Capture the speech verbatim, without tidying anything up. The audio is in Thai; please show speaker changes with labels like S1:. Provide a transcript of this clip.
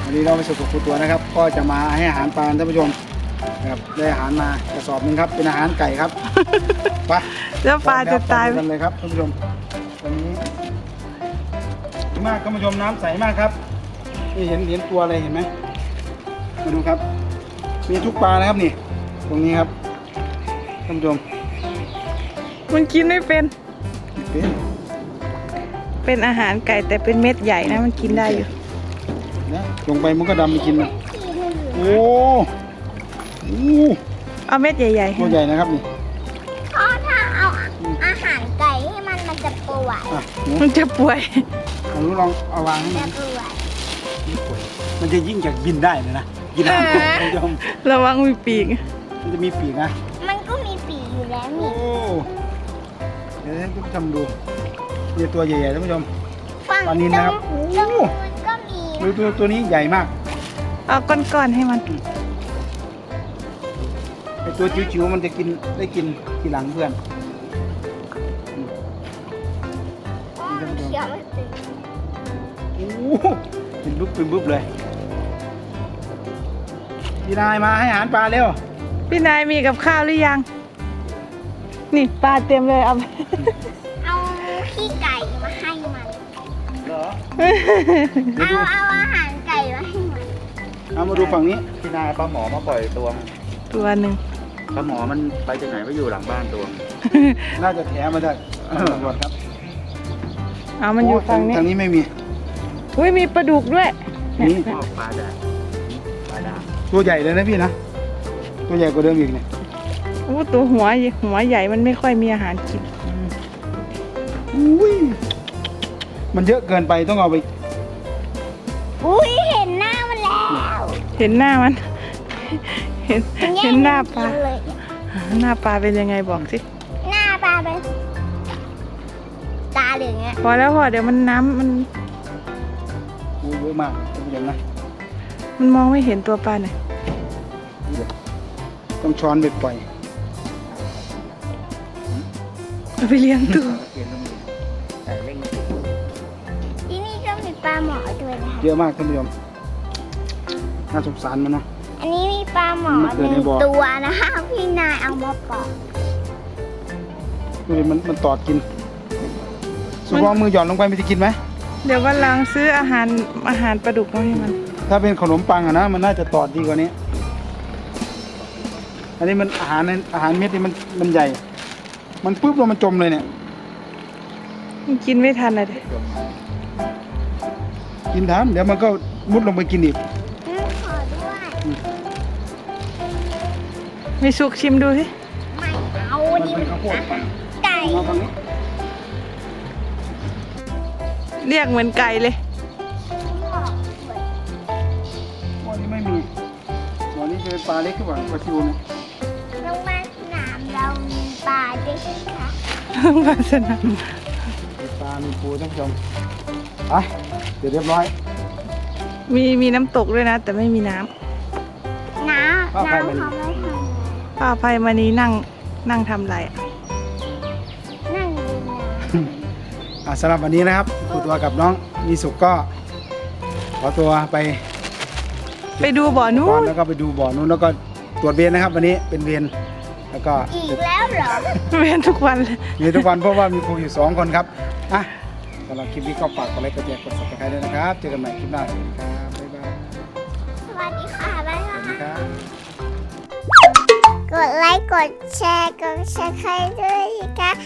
S1: วันนี้เราไปสุดกับครูตัวนะครับก็จะมาให้อาหารปลาท่านผู้ชมนะครับได้อาหารมากระสอบหนึ่งครับเป็นอาหารไก่ครับไป
S2: แล้วปลาจะตาย
S1: กันเลยครับท่านผู้ชมวันนี้ดีมากท่านผู้ชมน้ำใสมากครับนี่เห็นเห็นตัวอะไรเห็นไหมมาดูครับมีทุกปลานะครับนี่ตรงนี้ครับท่านผู้ชม
S2: มันกินไม่เป็น
S1: เป็น
S2: เป็นอาหารไก่แต่เป็นเม็ดใหญ่นะมันกินได้อยู่
S1: นะลงไปมันก็ดำไปกินนะโอ้โห
S2: เอาเม็ดใหญ่ๆให้
S1: ตัวใหญ่นะครับนี่
S3: พ่อถ้าเอาอาหารไก่ให้มันมันจะป่วย
S1: อ่ะหนู
S2: มันจะป่วย
S1: เอาหนูลองเอาวางให้
S3: จะ
S1: มัน
S3: ป่วย
S1: มันจะยิ่งจากบินได้เลยนะกินอาหารท่านผู้ชม
S2: ระวังมีปีก
S1: มันจะมีปีกนะ
S3: มันก็มีปีกอยู่แล้ว
S1: โอ้
S3: นี่
S1: เดี๋ยวให้ท่านผู้ชมดูนี่ตัวใหญ่ๆท่านผู้ชม
S3: ฝั่ง
S1: ปลานิลนะครับ
S3: ตรงตรงนู้นก็มี
S1: ดูตัวตัวนี้ใหญ่มาก
S2: เอาก้อนๆให้มัน
S1: ไอตัวจิ๋วๆมันจะกินได้กินทีหลังเพื่อน
S3: เขียวมันตึง
S1: โอ้โหเป็นบุ๊บเป็นบุ๊บเลยพี่นายมาให้อาหารปลาเร็ว
S2: พี่นายมีกับข้าวหรือยัง นี่ปลาเต็มเลยเอาไป
S3: เอาขี้ไก่มาให้มัน
S1: เหรอ
S3: เอาเอาอาหารไก่มาให้มัน
S1: เอามาดูฝั่งนี้
S4: พี่นายปลาหมอมาปล่อยตัว
S2: ตัวหนึ่ง
S4: ปลาหมอมันไปจากไหนไปอยู่หลังบ้านตัว
S1: น่าจะแถมาจากตำรวจครับ
S2: เอามันอยู่ฝั่งนี้
S1: ทางนี้ไม่มี
S2: อุ้ยมีปลาดุกด้วย
S1: นี่
S4: พ่อปลาแดงปลาดาบ
S1: ตัวใหญ่เลยนะพี่นะ ตัวใหญ่กว่าเดิมอีกเนี่ย
S2: โอ้ตัวหัวหัวใหญ่มันไม่ค่อยมีอาหารกิน
S1: อุ้ยมันเยอะเกินไปต้องเอาไป
S3: อุ้ยเห็นหน้ามันแล้ว
S2: เห็นหน้ามัน เห็น
S3: มันแย่
S2: เห็
S3: ง
S2: นหน้าป
S3: กิ
S2: ลาน
S3: เลย
S2: หน้าปลาเป็นยังไงบอกสิ
S3: หน้าปลาเป็นตาเหลืองเงี้ย
S2: พอแล้วพอเดี๋ยวมันน้ำมัน
S1: โอ้เยอะมากท่านผู้ชมนะ
S2: มันมองไม่เห็นตัวปลาหน่อย
S1: ต้องช้อนเบ็ดปล่อย
S2: เอาไปเลี้ยงตัว
S4: เขียนต้องมีใส่เร่ง
S3: ที่นี่ก็มีปลาหมอด้วยนะคะ
S1: เยอะมากท่านผู้ชมน่าสงสารมันเนาะ
S3: อันนี้มีปลาหมอ
S1: มันเกิ
S3: ห
S1: ดใน
S3: นึ่ง
S1: บ่อ
S3: ตัวนะคะพี่นายเอามาปล่อย
S1: ดูดิมันมันตอดกินสุกเอามือหย่อนลงไปมันจะกินไหม
S2: เดี๋ยววันหลังซื้ออาหารอาหารปลาดุกมาให้มัน
S1: ถ้าเป็นขนมปังอะนะมันน่าจะตอดดีกว่านี้ อันนี้มันอาหารในอาหารเม็ดนี่มันมันใหญ่ มันปุ๊บแล้วมันจมเลยเนี่ย
S2: มันกินไม่ทันเลยดิ
S1: กินทานเดี๋ยวมันก็มุดลงไปกินอีก
S3: อืมขอด้วย
S2: มีสุกชิมดูสิ
S3: ไม่เอา
S1: มัน
S3: ดิ
S1: เป็นข้าวโพด
S3: ไก่
S1: มาฝั่งนี้
S2: เรียกเหมือนไก่เลย
S1: บ่อนี้ไม่มีบ่อนี้จะเป็นปลาเล็กขึ้นกว่าปลาซิวเนี่ย
S3: โรงพยาบาลสนามเรามีปลาด้วยใช่ไหมคะ
S2: ปลาสนาม
S1: มีปลา มีปูท่านผู้ชมไปเดี๋ยวเรียบร้อย
S2: มีมีน้ำตกด้วยนะ แต่ไม่มีน้ำ
S3: น้ำ
S1: ข้าวไข่
S3: น้ำ
S1: มัน
S3: เขาไม่ท
S2: ป้าภัยมานี้นั่งนั่งทำอะไรอะ
S3: ำนั่งดูน้
S1: อ่ะสำหรับวันนี้นะครับครูตัวกับน้องมีสุกก็ ขอตัวไป
S2: ไปดูบ่อนู้
S1: ก่อน
S2: น
S1: แล้วก็ไปดูบ่อนู้นแล้วก็ตรวจเวรนะครับ วันนี้เป็นเวรแล้วก็
S3: ำอีกแล้วเหรอ
S2: เวียนทุกวันเลย
S1: มีทุกวันเพราะว่ามีครูอยู่สองคนครับอ่ะสำหรับคลิปนี้ก็ฝากกดไลค์กดแชร์กดซับสไครต์ด้วยนะครับเจอกันใหม่คลิปหน้าสวัสดีครับบ๊ายบาย
S3: สวัสดีค่ะบ๊าย
S1: ส
S3: บา
S1: วัสดี
S3: ย
S1: ครับ
S3: กดไลค์ กดแชร์ กดแชร์ใครด้วยนะคะ